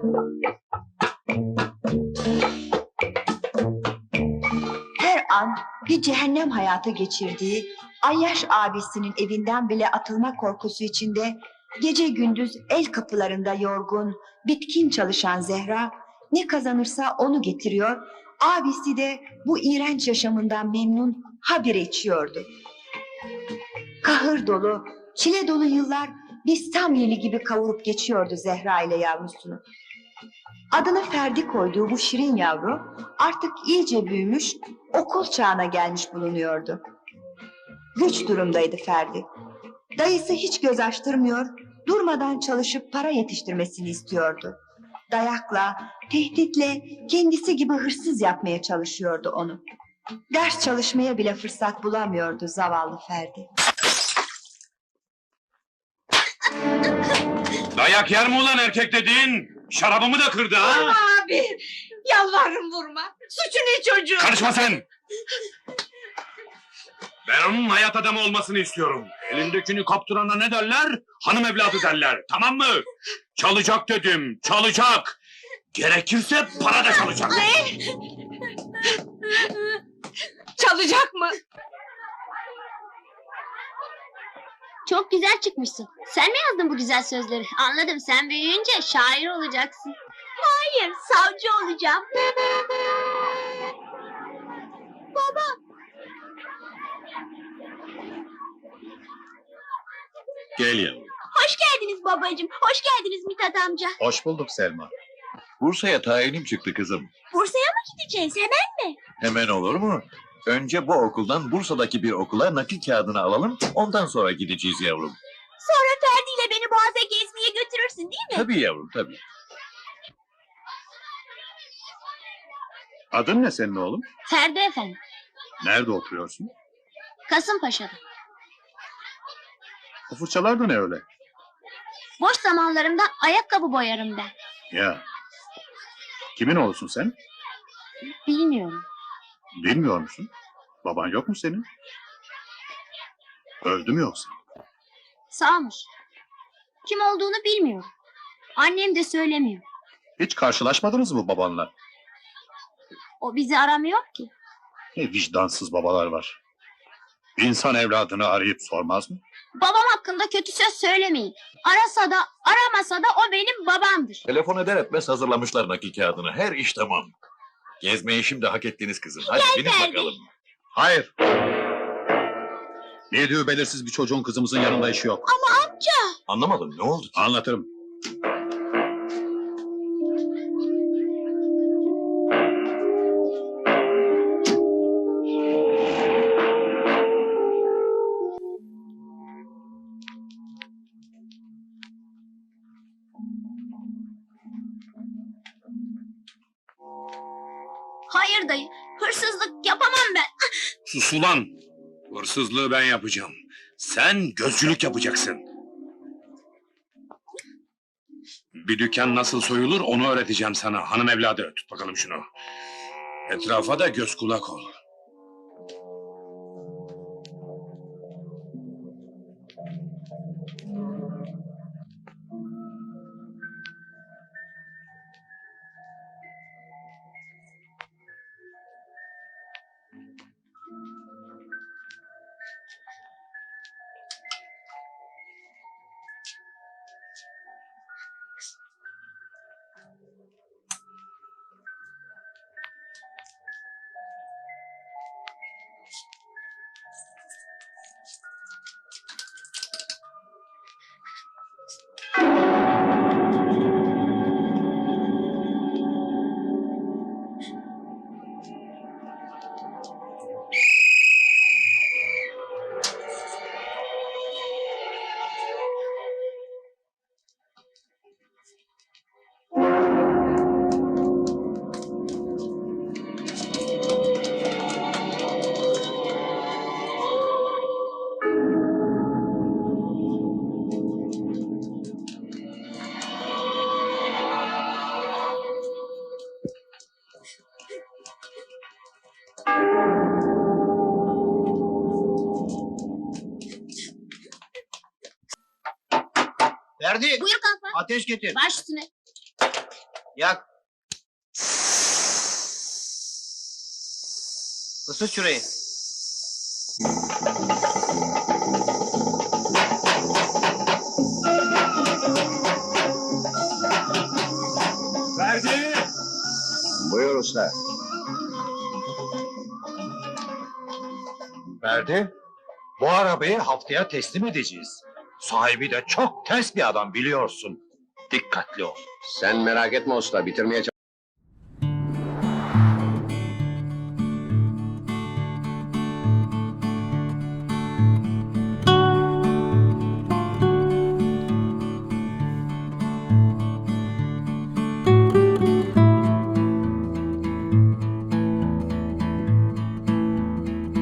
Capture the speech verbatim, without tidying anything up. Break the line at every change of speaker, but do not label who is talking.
Her an bir cehennem hayatı geçirdiği, Ayyaş abisinin evinden bile atılma korkusu içinde gece gündüz el kapılarında yorgun, bitkin çalışan Zehra ne kazanırsa onu getiriyor, abisi de bu iğrenç yaşamından memnun habire içiyordu. Kahır dolu, çile dolu yıllar bir Samyeli gibi kavurup geçiyordu Zehra ile yavrusunu. Adını Ferdi koyduğu bu şirin yavru artık iyice büyümüş, okul çağına gelmiş bulunuyordu. Güç durumdaydı Ferdi. Dayısı hiç göz açtırmıyor, durmadan çalışıp para yetiştirmesini istiyordu. Dayakla, tehditle, kendisi gibi hırsız yapmaya çalışıyordu onu. Ders çalışmaya bile fırsat bulamıyordu zavallı Ferdi.
Dayak yer mi ulan erkek dediğin? Şarabımı da kırdı ha?
Vurma abi! Yalvarırım vurma! Suçu ne çocuğum?
Karışma sen! Ben onun hayat adamı olmasını istiyorum. Elindekini kaptırana ne derler? Hanım evladı derler, tamam mı? Çalacak dedim, çalacak! Gerekirse para da çalacak!
Ne? Çalacak mı?
Çok güzel çıkmışsın. Sen mi yazdın bu güzel sözleri? Anladım, sen büyüyünce şair olacaksın. Hayır, savcı olacağım.
Gel yavrum.
Hoş geldiniz babacığım. Hoş geldiniz Mithat amca.
Hoş bulduk Selma. Bursa'ya tayinim çıktı kızım.
Bursa'ya mı gideceğiz? Hemen mi?
Hemen olur mu? Önce bu okuldan Bursa'daki bir okula nakil kağıdını alalım, ondan sonra gideceğiz yavrum.
Sonra Ferdi ile beni Boğaz'a gezmeye götürürsün değil mi?
Tabii yavrum, tabii.
Adın ne senin oğlum?
Ferdi efendim.
Nerede oturuyorsun?
Kasımpaşa'da.
O fırçalar da ne öyle?
Boş zamanlarımda ayakkabı boyarım ben.
Ya. Kimin oğlusun sen?
Bilmiyorum.
Bilmiyor musun? Baban yok mu senin? Öldü mü yoksa?
Sağmış. Kim olduğunu bilmiyorum. Annem de söylemiyor.
Hiç karşılaşmadınız mı babanla?
O bizi aramıyor ki.
Ne vicdansız babalar var. İnsan evladını arayıp sormaz mı?
Babam hakkında kötü söz söylemeyin. Arasa da aramasa da o benim babamdır.
Telefon eder etmez hazırlamışlar nakil kağıdını, her iş tamam. Gezmeyi şimdi hak ettiniz kızım, hadi binin
Ferdi.
bakalım.
Hayır. Yediği belirsiz bir çocuğun kızımızın yanında işi yok.
Anlamadım, ne oldu ki?
Anlatırım.
Hayır dayı, hırsızlık yapamam ben.
Sus ulan! Hırsızlığı ben yapacağım. Sen gözcülük yapacaksın. Bir dükkan nasıl soyulur onu öğreteceğim sana. Hanım evladı, tut bakalım şunu. Etrafa da göz kulak ol.
Ferdi,
Buyur kalfa.
ateş getir.
Baş üstüne.
Yak. Isıt şurayı.
Verdi.
Buyur usta.
Verdi. Bu arabayı haftaya teslim edeceğiz. Sahibi de çok ters bir adam biliyorsun. Dikkatli ol.
Sen merak etme usta, bitirmeye